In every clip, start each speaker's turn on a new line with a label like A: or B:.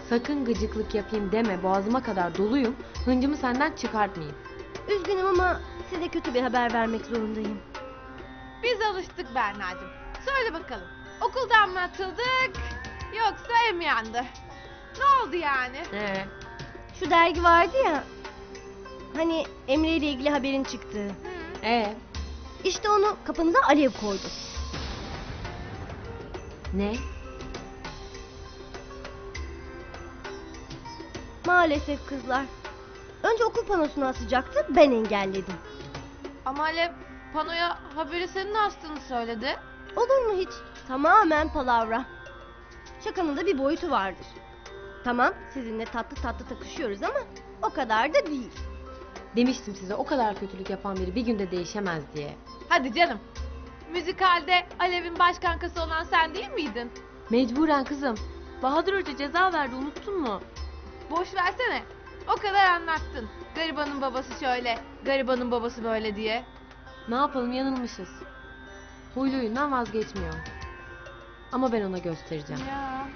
A: Sakın gıcıklık yapayım deme, boğazıma kadar doluyum. Hıncımı senden çıkartmayayım.
B: Üzgünüm ama size kötü bir haber vermek zorundayım.
C: Biz alıştık Berna'cığım. Söyle bakalım. Okuldan mı atıldık yoksa ev mi yandı? Ne oldu yani?
B: Şu dergi vardı ya. Hani Emre ile ilgili haberin çıktığı. İşte onu kapınıza alev koydu.
A: Ne?
B: Maalesef kızlar. Önce okul panosuna asacaktı, ben engelledim.
C: Ama Alev panoya haberi senin astığını söyledi.
B: Olur mu hiç? Tamamen palavra. Şakanın da bir boyutu vardır. Tamam, sizinle tatlı tatlı takışıyoruz ama o kadar da değil.
A: Demiştim size, o kadar kötülük yapan biri bir günde değişemez diye.
C: Hadi canım. Müzikalde Alev'in baş kankası olan sen değil miydin?
A: Mecburen kızım. Bahadır Hoca ceza verdi, unuttun mu?
C: Boş versene. O kadar anlattın. Garibanın babası şöyle, garibanın babası böyle diye.
A: Ne yapalım, yanılmışız. Huylu huyundan vazgeçmiyor. Ama ben ona göstereceğim.
C: Ya.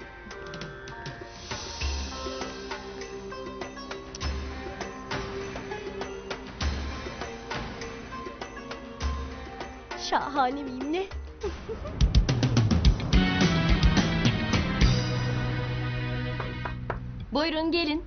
B: Şahane miyim ne?
D: Buyurun gelin.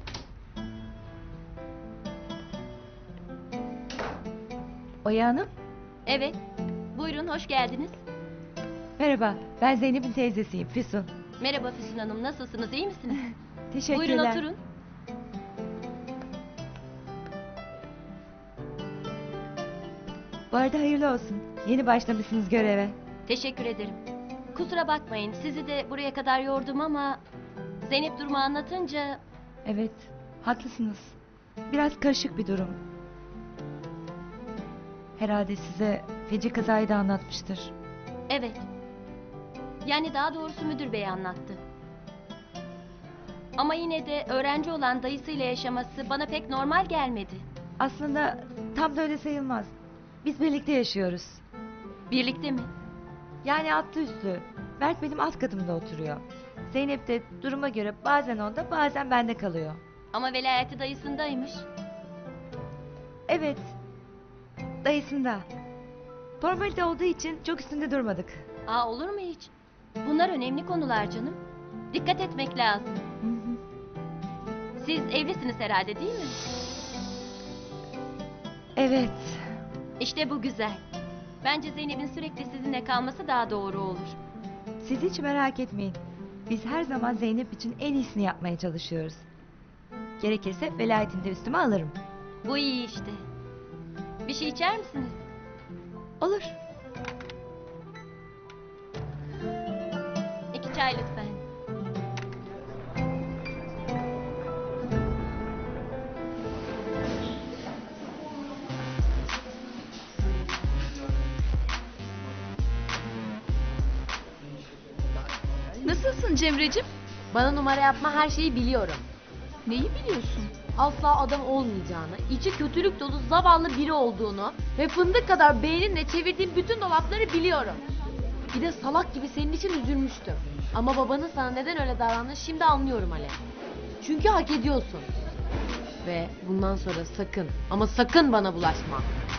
E: Oya Hanım,
D: Evet. Buyurun hoş geldiniz.
E: merhaba. Ben Zeynep'in teyzesiyim, Füsun.
D: Merhaba Füsun Hanım. Nasılsınız? İyi misiniz?
E: Teşekkürler.
D: Buyurun oturun.
E: Bu arada hayırlı olsun. Yeni başlamışsınız göreve.
D: Teşekkür ederim. Kusura bakmayın. Sizi de buraya kadar yordum ama Zeynep durumu anlatınca
E: Evet, haklısınız. Biraz karışık bir durum. Herhalde size feci kazayı da anlatmıştır.
D: evet. Yani daha doğrusu müdür bey anlattı. Ama yine de öğrenci olan dayısıyla yaşaması bana pek normal gelmedi.
E: Aslında tam da öyle sayılmaz. Biz birlikte yaşıyoruz.
D: Birlikte mi?
E: Yani altlı üstlü. Berk benim alt katımda oturuyor. Zeynep de duruma göre bazen onda bazen bende kalıyor.
D: Ama velayeti dayısındaymış.
E: Evet. Dayısında. Formalite olduğu için çok üstünde durmadık.
D: Aa, olur mu hiç? Bunlar önemli konular canım. Dikkat etmek lazım.
E: Hı hı.
D: Siz evlisiniz herhalde değil mi?
E: Evet.
D: İşte bu güzel. Bence Zeynep'in sürekli sizinle kalması daha doğru olur.
E: Siz hiç merak etmeyin. Biz her zaman Zeynep için en iyisini yapmaya çalışıyoruz. Gerekirse velayetini de üstüme alırım.
D: Bu iyi işte. Bir şey içer misiniz?
E: Olur.
D: 2 çay lütfen.
F: Nasılsın Cemre'cim?
A: Bana numara yapma, her şeyi biliyorum.
F: Neyi biliyorsun?
A: Asla adam olmayacağını, içi kötülük dolu zavallı biri olduğunu ve fındık kadar beyninle çevirdiğim bütün dolapları biliyorum. Bir de salak gibi senin için üzülmüştüm. Ama babanın sana neden öyle davrandığını şimdi anlıyorum Alev. Çünkü hak ediyorsun. Ve bundan sonra sakın ama sakın bana bulaşma.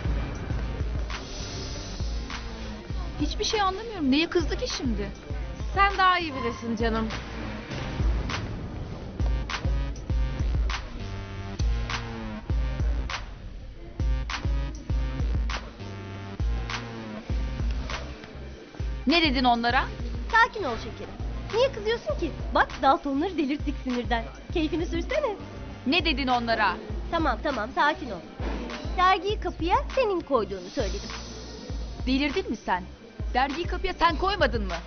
F: Hiçbir şey anlamıyorum. Neye kızdı ki şimdi?
C: Sen daha iyi bilirsin canım.
F: Ne dedin onlara?
B: Sakin ol şekerim. Niye kızıyorsun ki? Bak Daltonları delirttik sinirden. Keyfini sürsene.
F: Ne dedin onlara?
B: Tamam tamam sakin ol. Dergiyi kapıya senin koyduğunu söyledim.
F: Delirdin mi sen? Dergiyi kapıya sen koymadın mı?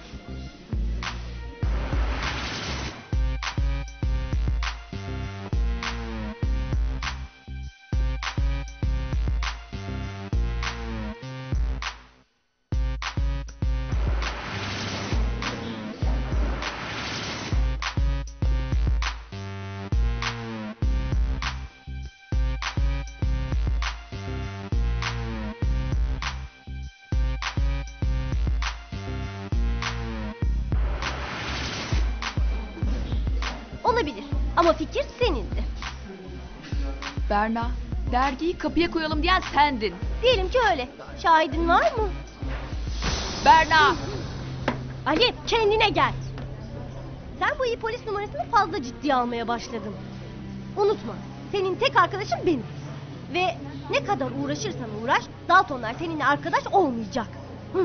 B: Olabilir Ama fikir senindi.
F: Berna, dergiyi kapıya koyalım diyen sendin.
B: Diyelim ki öyle. Şahidin var mı?
F: Berna!
B: Ali kendine gel. Sen bu iyi polis numarasını fazla ciddiye almaya başladın. Unutma, senin tek arkadaşın benim. Ve ne kadar uğraşırsan uğraş, Daltonlar seninle arkadaş olmayacak. Hı.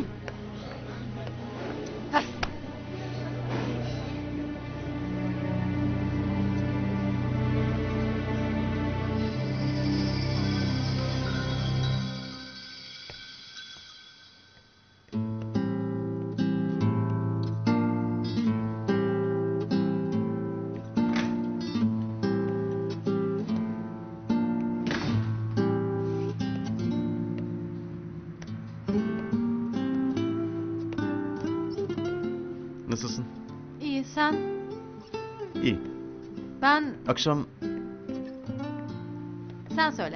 G: Nasılsın?
A: İyi sen?
G: İyi.
A: Ben...
G: Akşam
A: Sen söyle.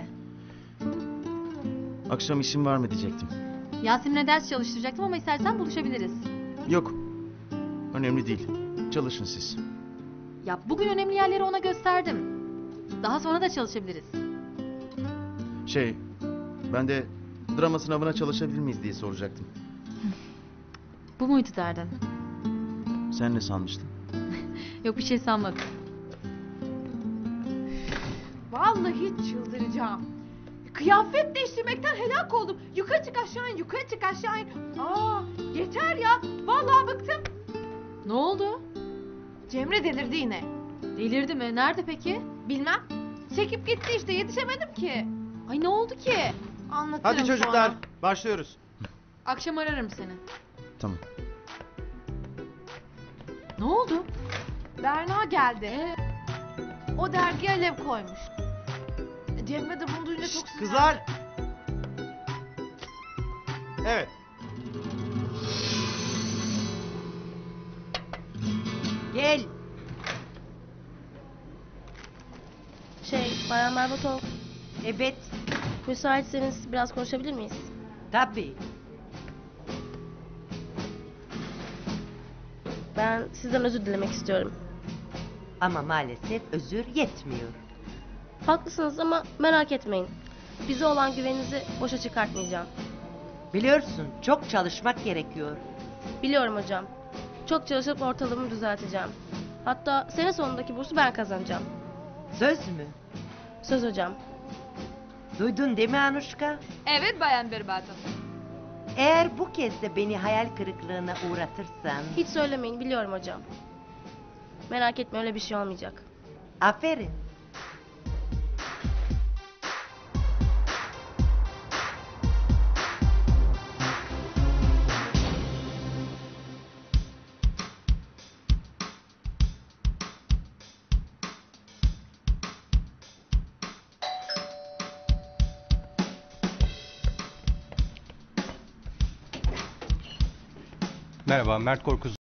G: işim var mı diyecektim.
A: Yasemin'e ders çalıştıracaktım ama istersen buluşabiliriz.
G: Yok. Önemli değil. Çalışın siz.
A: Ya bugün önemli yerleri ona gösterdim. Daha sonra da çalışabiliriz.
G: Ben de drama sınavına çalışabilir miyiz diye soracaktım.
A: Bu muydu derdin?
G: Sen ne sanmıştın?
A: Yok bir şey sanmadım.
C: Vallahi çıldıracağım. Kıyafet değiştirmekten helak oldum. Yukarı çık aşağı in, yukarı çık aşağı in. Aa, yeter ya. Vallahi bıktım.
A: Ne oldu?
C: Cemre delirdi yine.
A: Delirdi mi? Nerede peki?
C: Bilmem. Çekip gitti işte, yetişemedim ki.
A: Ay ne oldu ki?
C: Anlatırım
H: Hadi çocuklar,
C: sonra.
H: başlıyoruz.
A: Akşam ararım seni.
G: Tamam.
A: Ne oldu?
C: Berna geldi. O dergiye alev koymuş. Cemre de bunu duyunca çok sinirlendi.
H: Kızlar. Evet.
I: Gel.
B: Bayan Berbatov,
I: Evet.
B: müsaitseniz biraz konuşabilir miyiz?
I: Tabii.
B: Ben sizden özür dilemek istiyorum.
I: Ama maalesef özür yetmiyor.
B: Haklısınız ama merak etmeyin. Bize olan güveninizi boşa çıkartmayacağım.
I: Biliyorsun çok çalışmak gerekiyor.
B: Biliyorum hocam. Çok çalışıp ortalığımı düzelteceğim. Hatta sene sonundaki bursu ben kazanacağım.
I: Söz mü?
B: Söz hocam.
I: Duydun değil mi Anuşka?
F: Evet Bayan Berbatov.
I: Eğer bu kez de beni hayal kırıklığına uğratırsan...
B: Hiç söylemeyin, biliyorum hocam. Merak etme, öyle bir şey olmayacak.
I: Aferin.
J: Merhaba, Mert Korkuz